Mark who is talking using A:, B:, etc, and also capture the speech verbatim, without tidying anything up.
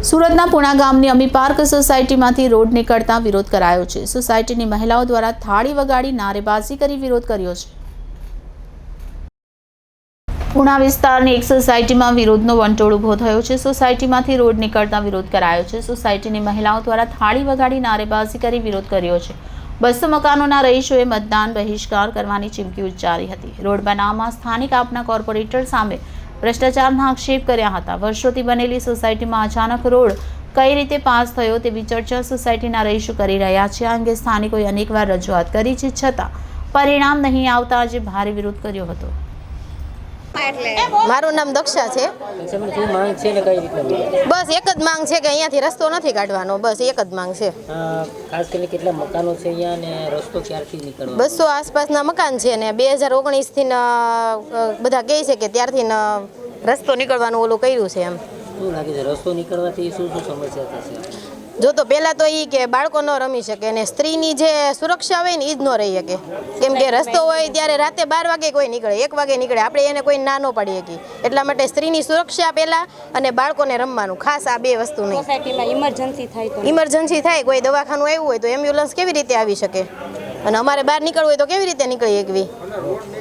A: સુરતના પુણા ગામની અમી park સોસાયટીમાંથી road નીકળતા વિરોધ કરાયો છે। સોસાયટીની મહિલાઓ દ્વારા થાળી વગાડી નારેબાજી કરી વિરોધ કર્યો છે। પુણા વિસ્તારની એક સોસાયટીમાં વિરોધનો વંટોળ ઊભો થયો છે। સોસાયટીમાંથી રોડ નીકળતા વિરોધ કરાયો છે। સોસાયટીની મહિલાઓ દ્વારા થાળી વગાડી નારેબાજી કરી વિરોધ કર્યો છે। બસો મકાનોના રહીશોએ મતદાન બહિષ્કાર કરવાની ચીમકી ઉચ્ચારી હતી। રોડ બનાવમાં સ્થાનિક આપના કોર્પોરેટર સામે ભ્રષ્ટાચારના આક્ષેપ કર્યા હતા। વર્ષોથી બનેલી સોસાયટીમાં અચાનક રોડ કઈ રીતે પાસ થયો તેવી ચર્ચા સોસાયટીના રહીશો કરી રહ્યા છે। આ અંગે સ્થાનિકોએ અનેકવાર રજૂઆત કરી છે, છતાં પરિણામ નહીં આવતા આજે ભારે વિરોધ કર્યો હતો।
B: મારું નામ દક્ષા છે। બસ એક જ માંગ છે કે અહીંયાથી રસ્તો નથી કાઢવાનો, બસ એક જ માંગ છે।
C: ખાસ કરીને કેટલા મકાનો છે અહીંયા અને રસ્તો ક્યારથી નીકળવાનો?
B: બસો આસપાસના મકાન છે ને બે હજાર ઓગણીસ થી બધા કહે છે કે ત્યારથી રસ્તો નીકળવાનું ઓલું કર્યું છે। એમ
C: શું લાગે છે રસ્તો નીકળવાથી શું શું સમસ્યા થશે?
B: જો તો પહેલાં તો એ કે બાળકો ન રમી શકે ને સ્ત્રીની જે સુરક્ષા હોય ને એ જ ન રહી શકે, કેમ કે રસ્તો હોય ત્યારે રાતે બાર વાગે કોઈ નીકળે, એક વાગે નીકળે, આપણે એને કોઈ ના ન પાડી શકીએ। એટલા માટે સ્ત્રીની સુરક્ષા પહેલાં અને બાળકોને રમવાનું, ખાસ આ બે વસ્તુ નહીં।
D: સોસાયટીમાં ઇમરજન્સી થાય તો
B: ઇમરજન્સી થાય, કોઈ દવાખાનું આવ્યું હોય તો એમ્બ્યુલન્સ કેવી રીતે આવી શકે, અને અમારે બહાર નીકળવું હોય તો કેવી રીતે નીકળી શકવી?